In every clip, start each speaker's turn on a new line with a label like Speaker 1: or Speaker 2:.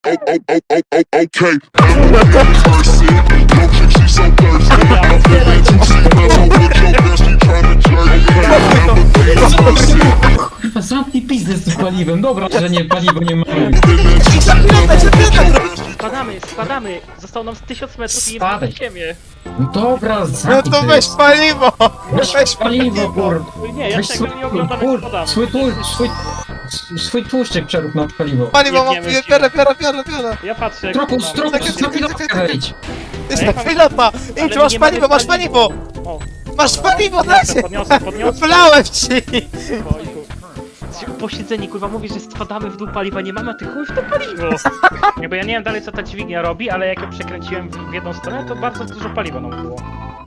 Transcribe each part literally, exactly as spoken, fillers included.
Speaker 1: Okay, person, no chick, she so thirsty. I'm feeling too sick, mellow with your bestie trying to jerk. Okay, I'm a person.
Speaker 2: Kurwa, zamknij pizdę z tym paliwem. Dobra, że nie, paliwo nie mamy.
Speaker 3: Spadamy, spadamy! Zostało nam z tysiąc metrów i nie
Speaker 2: Spadaj.
Speaker 3: na ziemię!
Speaker 2: No dobra,
Speaker 4: No
Speaker 2: zamknij
Speaker 4: to weź paliwo!
Speaker 2: Weź paliwo, kur...
Speaker 3: Nie, ja
Speaker 2: Weź
Speaker 3: tego
Speaker 2: swój,
Speaker 3: nie oglądam, jak
Speaker 2: kur...
Speaker 3: spadamy.
Speaker 2: swój, tłuszcz, swój, swój tłuszczyk przerób na paliwo.
Speaker 4: Paliwo mam,
Speaker 3: Jebniemy się.
Speaker 4: biorę, biorę, biorę, biorę!
Speaker 3: Ja patrzę jak
Speaker 2: Trokus,
Speaker 3: spadamy.
Speaker 2: trokus, na pilotkę wejdź.
Speaker 4: Jest
Speaker 3: A ja
Speaker 4: tak,
Speaker 3: mam-
Speaker 4: pilota!
Speaker 3: Ale
Speaker 4: Idź, masz
Speaker 3: nie
Speaker 4: paliwo,
Speaker 3: mamy
Speaker 4: masz paliwo!
Speaker 3: O,
Speaker 4: Masz paliwo,
Speaker 3: podniosę,
Speaker 4: dajcie!
Speaker 3: podniosę, podniosę.
Speaker 4: Wlałem ci!
Speaker 3: Ojku. Posiedzeni, kurwa, mówisz, że spadamy w dół paliwa, nie mamy, a ty chuj w to paliwo! Jakby ja nie wiem dalej co ta dźwignia robi, ale jak ją przekręciłem w w jedną stronę, to bardzo dużo paliwa nam było.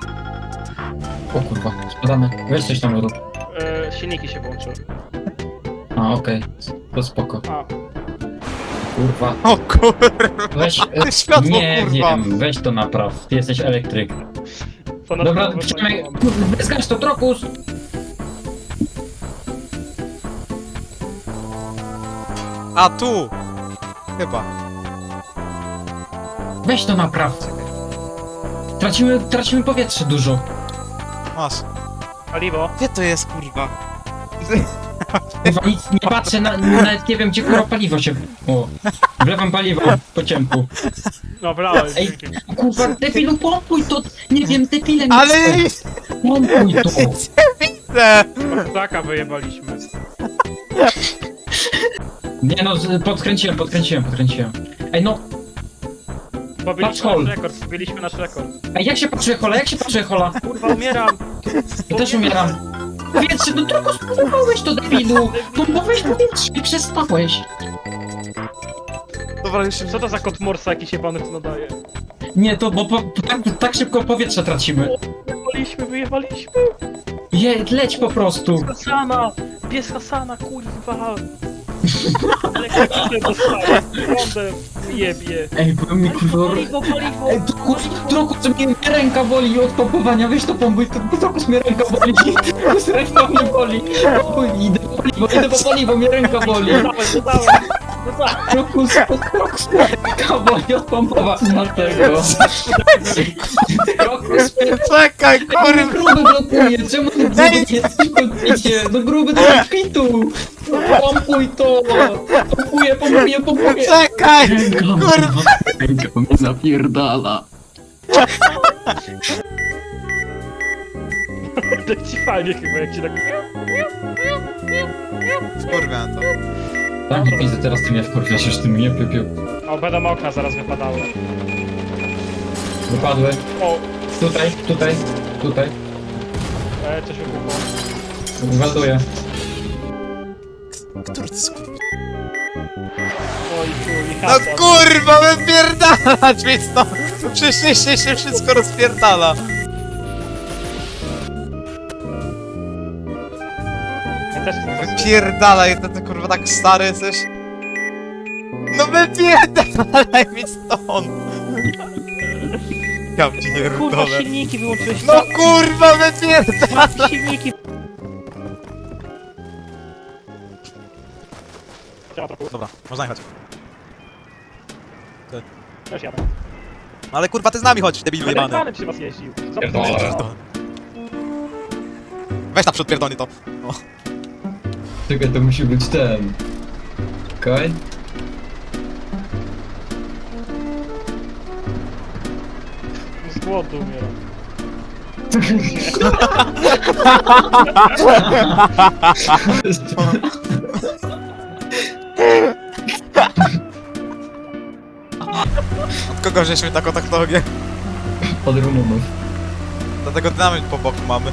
Speaker 2: O kurwa, spadamy. Weź coś tam rób.
Speaker 3: E, silniki się włączyły.
Speaker 2: A, okej. To spoko.
Speaker 3: A,
Speaker 4: O
Speaker 2: Kurwa.
Speaker 4: kurwa!
Speaker 2: Weź... e,
Speaker 4: Światło,
Speaker 2: Nie
Speaker 4: kurwa!
Speaker 2: wiem, weź to napraw. Ty jesteś elektryk.
Speaker 3: ponad
Speaker 2: Dobra,
Speaker 3: połowę
Speaker 2: przynajmniej...
Speaker 3: paliwa mam.
Speaker 2: Zgasz to, trokus!
Speaker 4: A tu! Chyba.
Speaker 2: Weź to napraw. Tracimy, tracimy powietrze dużo.
Speaker 4: Masz.
Speaker 3: Paliwo?
Speaker 4: Gdzie to jest, kurwa?
Speaker 2: Kurwa, nic nie patrzę, na, nawet nie wiem gdzie kurwa paliwo się... O, wlewam paliwo po ciemku.
Speaker 3: No, wlałem.
Speaker 2: Ej, kurwa, debilu, pompuj to! Nie wiem, debile mi
Speaker 4: Ale
Speaker 2: chce. Pompuj to!
Speaker 4: widzę!
Speaker 3: Taka wyjebaliśmy.
Speaker 2: Nie no, z- podkręciłem, podkręciłem, podkręciłem. Ej no,
Speaker 3: Pobiliśmy
Speaker 2: hol.
Speaker 3: nasz rekord, pobiliśmy nasz rekord.
Speaker 2: ej jak się patrzy hola, jak się patrzy hola?
Speaker 3: Kurwa, umieram!
Speaker 2: Ja też umieram. Powietrze, no tylko spompowałeś to debilu! Pompowałeś powietrze i przestałeś.
Speaker 4: Dobra, już się...
Speaker 3: Co to za kot morsa jakiś jebany tu nadaje?
Speaker 2: Nie, to bo po, tak, tak szybko powietrze tracimy.
Speaker 3: Wyjebaliśmy, wyjebaliśmy!
Speaker 2: Je, leć po prostu.
Speaker 3: Hasana! Pies Hasana, kurwa! Elektryczne dostaje, prądem jebie.
Speaker 2: Ej, bo mi kurwa...
Speaker 3: Paliwo, paliwo!
Speaker 2: Ej, trokus, trokus, mnie mnie ręka boli od pompowania, weź to pompuj, to trokus mnie ręka boli, trokus ręka mnie boli. Pompuj, idę po paliwo, idę po paliwo, mnie ręka boli.
Speaker 3: Dodałem, dodałem! Dodałem!
Speaker 2: Trokus, trokus mnie ręka boli od pompowania tego. Trokus mnie
Speaker 4: Czekaj,
Speaker 2: Ej,
Speaker 4: kurwa!
Speaker 2: gruby blokuje, czemu ty gruby nie jesteś w kokpicie? No gruby do kokpitu! Pompuj to! Pompuję, pompuję, pompuję!
Speaker 4: Czekaj!
Speaker 2: Ręka,
Speaker 4: Kurwa!
Speaker 2: Ręka mnie zapierdala.
Speaker 3: To ci fajnie chyba, jak ci tak...
Speaker 4: Kurwa to.
Speaker 2: Tam nie pizdę, teraz ty mnie wkurwiasz, już ty mnie piu,
Speaker 3: O, będą okna zaraz wypadały.
Speaker 2: Wypadły.
Speaker 3: O,
Speaker 2: Tutaj, tutaj, tutaj.
Speaker 3: e, coś wybuchło.
Speaker 2: Wyładuję.
Speaker 4: Który to jest kurwa?
Speaker 3: Oj, chuj,
Speaker 4: No
Speaker 3: Hasan.
Speaker 4: kurwa, wypierdalać mi stąd! Przyszliście się wszystko rozpierdala!
Speaker 3: Ja też chcę coś...
Speaker 4: Wypierdalaj, to ty kurwa tak stary jesteś? No wypierdalaj mi stąd! Ja
Speaker 3: Kurwa,
Speaker 4: pierdolę.
Speaker 3: silniki wyłączyłeś.
Speaker 4: No kurwa, wypierdalaj!
Speaker 3: Dwa silniki.
Speaker 4: Dobra, można jechać.
Speaker 3: Też jadę.
Speaker 4: Ale kurwa, ty z nami chodź, debilu jebany.
Speaker 3: Elektrany przy was jeździł.
Speaker 2: Pierdolę.
Speaker 4: Weź naprzód pierdolnie to.
Speaker 2: Czekaj, to musi być ten. Okej?
Speaker 3: Z głodu umieram.
Speaker 4: Od kogo żeśmy taką technologię?
Speaker 2: Od Rumunów.
Speaker 4: Dlatego dynamit po boku mamy.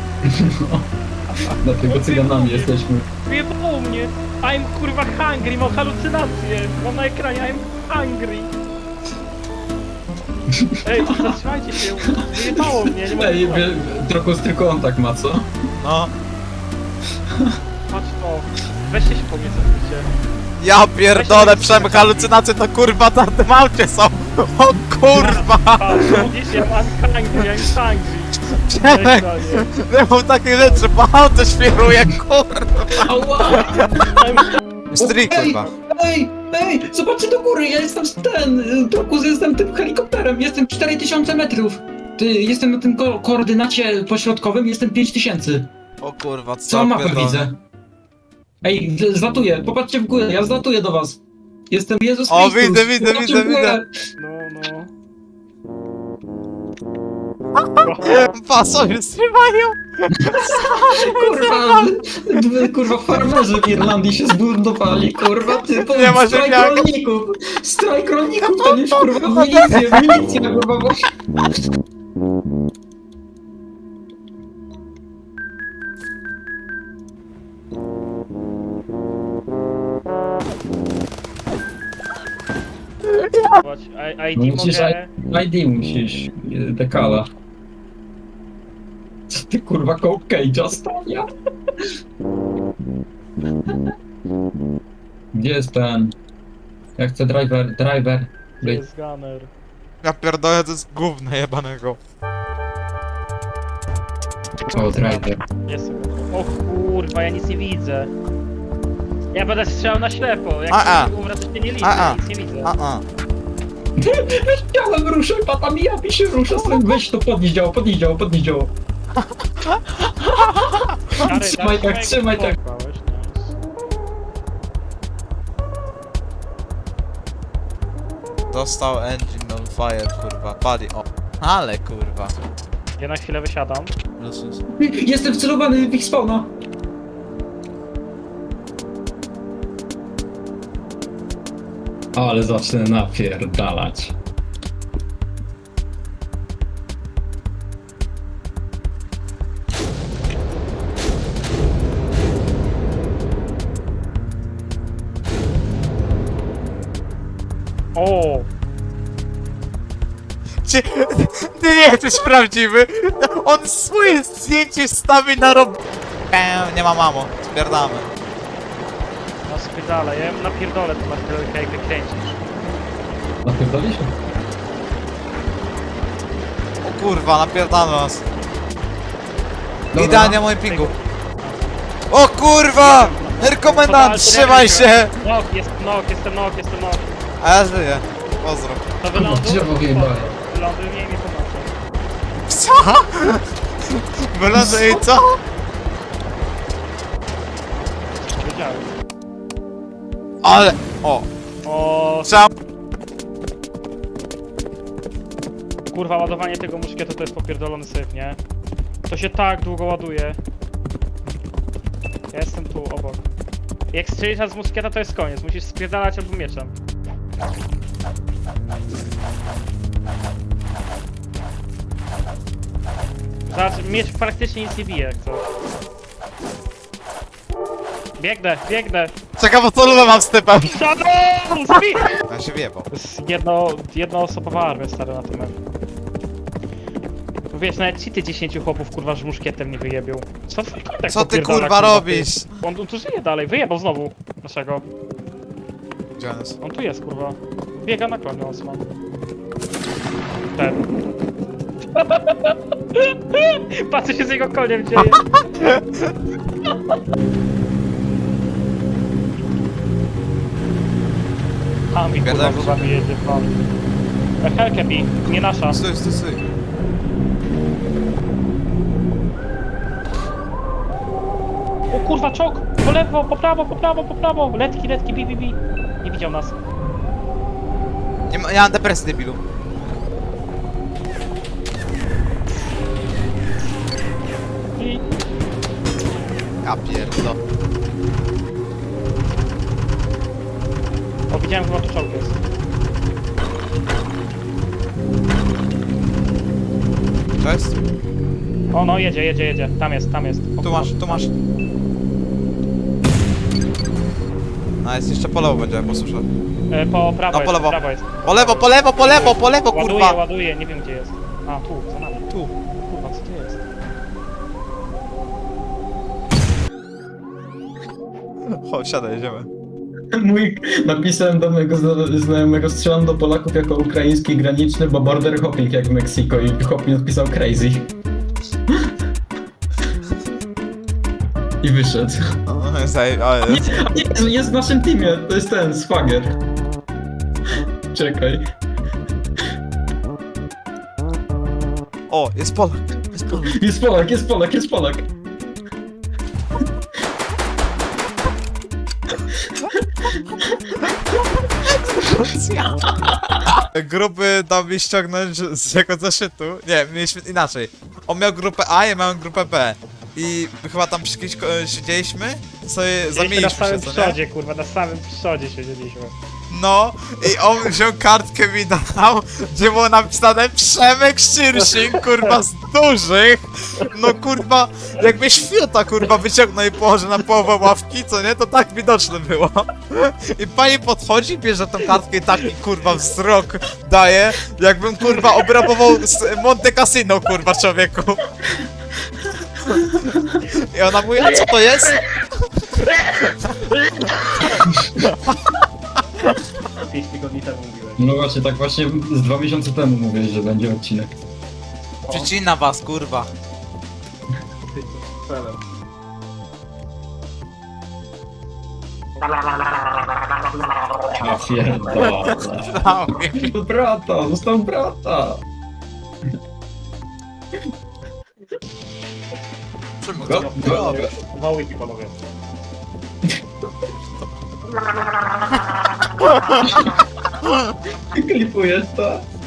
Speaker 2: Dlatego cyganami jesteśmy.
Speaker 3: Wyjebało mnie. I'm kurwa hungry, mam halucynacje. Mam na ekranie I'm hungry. Ej, zatrzymajcie się. Wyjebało mnie, nie mogę.
Speaker 2: Ej, wie- trochę tylko on tak ma, co?
Speaker 4: No.
Speaker 3: Patrz to. Weźcie się po mnie cofnijcie.
Speaker 4: Ja pierdolę, przem halucynacje to kurwa na tym aucie są! O kurwa!
Speaker 3: Patrz, widzisz, ja I'm hungry, I'm hungry. Na
Speaker 4: Przemek!
Speaker 3: ekranie.
Speaker 4: Nie mam takiej rzeczy, bo auto świruje, kurwa!
Speaker 2: Ała!
Speaker 3: I'm
Speaker 4: Stryj, kurwa.
Speaker 2: Ej! Ej, zobaczcie do góry, ja jestem z ten, Turkus, jestem tym helikopterem, jestem cztery tysiące metrów. Ty, jestem na tym ko koordynacie pośrodkowym, jestem pięć tysięcy.
Speaker 4: O kurwa, co
Speaker 2: Całą mapę
Speaker 4: pierdolę.
Speaker 2: widzę. Ej, z- zlatuję, popatrzcie w górę, ja zlatuję do was. Jestem Jezus
Speaker 4: O,
Speaker 2: Chrystus.
Speaker 4: widzę, widzę,
Speaker 2: Popatrzcie
Speaker 4: widzę,
Speaker 2: w górę.
Speaker 3: No, no.
Speaker 4: Pasowie trzymają!
Speaker 2: Kurwa, d- kurwa, farmerzy w Irlandii się zburdowali, kurwa, ty, to
Speaker 4: Nie ma
Speaker 2: strajk
Speaker 4: ziemniaka.
Speaker 2: rolników, strajk rolników, to już, kurwa, milicja, milicja, kurwa, bo...
Speaker 3: Zobacz, I-
Speaker 2: No
Speaker 3: I D
Speaker 2: musisz
Speaker 3: mogę...
Speaker 2: I D musisz, y, dekala. Co ty, kurwa, Coke Cage'a stawia? Gdzie jest ten? Ja chcę driver, driver.
Speaker 3: Gdzie jest gunner?
Speaker 4: Ja pierdolę, to jest gówno jebanego.
Speaker 2: O, driver.
Speaker 3: Jest. O kurwa, ja nic nie widzę. Ja będę strzelał na ślepo. Jak
Speaker 4: A, a.
Speaker 3: umrę, to się nie liczę,
Speaker 4: A, a.
Speaker 3: ja nic nie widzę.
Speaker 4: A, a.
Speaker 2: Chciałem ruszę, pata mija mi się rusza, stąd weź to podnieś działo, podnieś działo, podnieś działo.
Speaker 3: Stary,
Speaker 2: Trzymaj
Speaker 3: daj
Speaker 2: tak,
Speaker 3: mi
Speaker 2: trzymaj tak.
Speaker 3: pokłałeś, nice.
Speaker 4: Dostał engine on fire, kurwa, pali, o. Ale kurwa.
Speaker 3: Ja na chwilę wysiadam.
Speaker 4: Lusus.
Speaker 2: Jestem wcelowany w ich spawna. Ale zacznę napierdalać.
Speaker 3: O!
Speaker 4: Czy ty nie jesteś prawdziwy? On swoje zdjęcie stawi na rob... Eee, nie ma mamo, spierdamy.
Speaker 3: Na spydale, ja napierdolę to na chwilę, jak wykręcisz.
Speaker 2: Napierdali się?
Speaker 4: O kurwa, napierdamy nas.
Speaker 2: Dobra.
Speaker 4: Idealnie mój pingu. O kurwa! Rekomendant, trzymaj się!
Speaker 3: Nok, jest nok, jestem nok, jestem nok.
Speaker 4: A ja żyję. Pozdro.
Speaker 3: To wyląduj.
Speaker 2: drzewo wyjebałem.
Speaker 3: Wyląduj mnie i mi pomoże.
Speaker 4: Co? Wyląduj i co?
Speaker 3: Coś wiedziałem.
Speaker 4: Ale... O!
Speaker 3: O,
Speaker 4: Trzeba...
Speaker 3: kurwa, ładowanie tego muszkietu to jest popierdolony syf, nie? To się tak długo ładuje. Ja jestem tu, obok. Jak strzelisz raz z muszkieta, to jest koniec. Musisz spierdalać albo mieczem. Zobacz, miecz praktycznie nic nie bije, jak co. Biegnę, biegnę!
Speaker 4: Czekam, bo co mam z typem.
Speaker 3: Shadow! Speed!
Speaker 4: Ja się wjebał.
Speaker 3: To jest jedno, jednoosobowa armia stary na tym. Wiesz, nawet ci ty dziesięciu chłopów kurwa z muszkietem nie wyjebią. Co twój kontakt
Speaker 4: Co ty
Speaker 3: popierdala,
Speaker 4: kurwa robisz?
Speaker 3: ty? On, on tu żyje dalej, wyjebał znowu naszego.
Speaker 4: Gdzie on jest?
Speaker 3: On tu jest kurwa. Biega na koniu Osman. Ten. Patrz co się z jego koniem dzieje. A mi kurwa
Speaker 4: Gadałem
Speaker 3: za wami jedzie pan. Helkę bi, nie nasza.
Speaker 4: Stój, stój, stój.
Speaker 3: O kurwa, czok! Po lewo, po prawo, po prawo, po prawo! Letki, letki, bi, bi, bi. Nie widział nas.
Speaker 4: Nie, ma, nie mam depresji, debilu.
Speaker 3: I...
Speaker 4: Ja pierdol.
Speaker 3: O, widziałem chyba tu czołg jest.
Speaker 4: To jest?
Speaker 3: O, no, jedzie, jedzie, jedzie. Tam jest, tam jest. O,
Speaker 4: Tu masz, tu masz. A jest jeszcze po lewo będzie, jak posłyszę.
Speaker 3: E, po prawo
Speaker 4: No,
Speaker 3: jest,
Speaker 4: po lewo.
Speaker 3: prawo jest.
Speaker 4: Po lewo, po lewo, po lewo, po lewo,
Speaker 3: Ładuje,
Speaker 4: kurwa!
Speaker 3: ładuje, nie wiem gdzie jest. A, tu, za nami.
Speaker 4: Tu.
Speaker 3: Kurwa, co to jest?
Speaker 4: Chodź, siadaj, jedziemy.
Speaker 2: Mój, napisałem do mojego zna- znajomego, strzelam do Polaków jako ukraiński graniczny, bo border hopping jak w Meksyko i chłop mi odpisał crazy. I wyszedł.
Speaker 4: O, Zaj, ale...
Speaker 2: Nie, nie, jest w naszym teamie, to jest ten, Swagger. Czekaj.
Speaker 4: O, jest Polak, jest Polak.
Speaker 2: Jest Polak, jest Polak, jest Polak.
Speaker 4: Grupy dał mi ściągnąć z jego zeszytu. Nie, mieliśmy inaczej. On miał grupę A, ja miałem grupę B. I chyba tam przy kimś ko- siedzieliśmy, sobie
Speaker 3: Siedzieliśmy na
Speaker 4: zamieniliśmy się,
Speaker 3: samym
Speaker 4: co nie?
Speaker 3: przodzie, kurwa, na samym przodzie siedzieliśmy.
Speaker 4: No, i on wziął kartkę mi dał, gdzie było napisane Przemek Szyrszyn, kurwa, z dużych. No kurwa, jakbyś fiuta, kurwa, wyciągnął i położył na połowę ławki, co nie? To tak widoczne było. I pani podchodzi, bierze tą kartkę i taki, kurwa, wzrok daje, jakbym, kurwa, obrabował z Monte Cassino, kurwa, człowieku. I ona mówi, a co to jest?
Speaker 3: pięć tygodni temu mówiłem.
Speaker 2: No właśnie, tak właśnie z dwa miesiące temu mówiłeś, że będzie odcinek.
Speaker 4: Przycina was, kurwa.
Speaker 2: A pierdolę. Do brata, został brata.
Speaker 4: Czemu
Speaker 2: Go,
Speaker 4: to?
Speaker 2: go.
Speaker 3: Dwa łyki, panowie.
Speaker 2: Klipujesz to?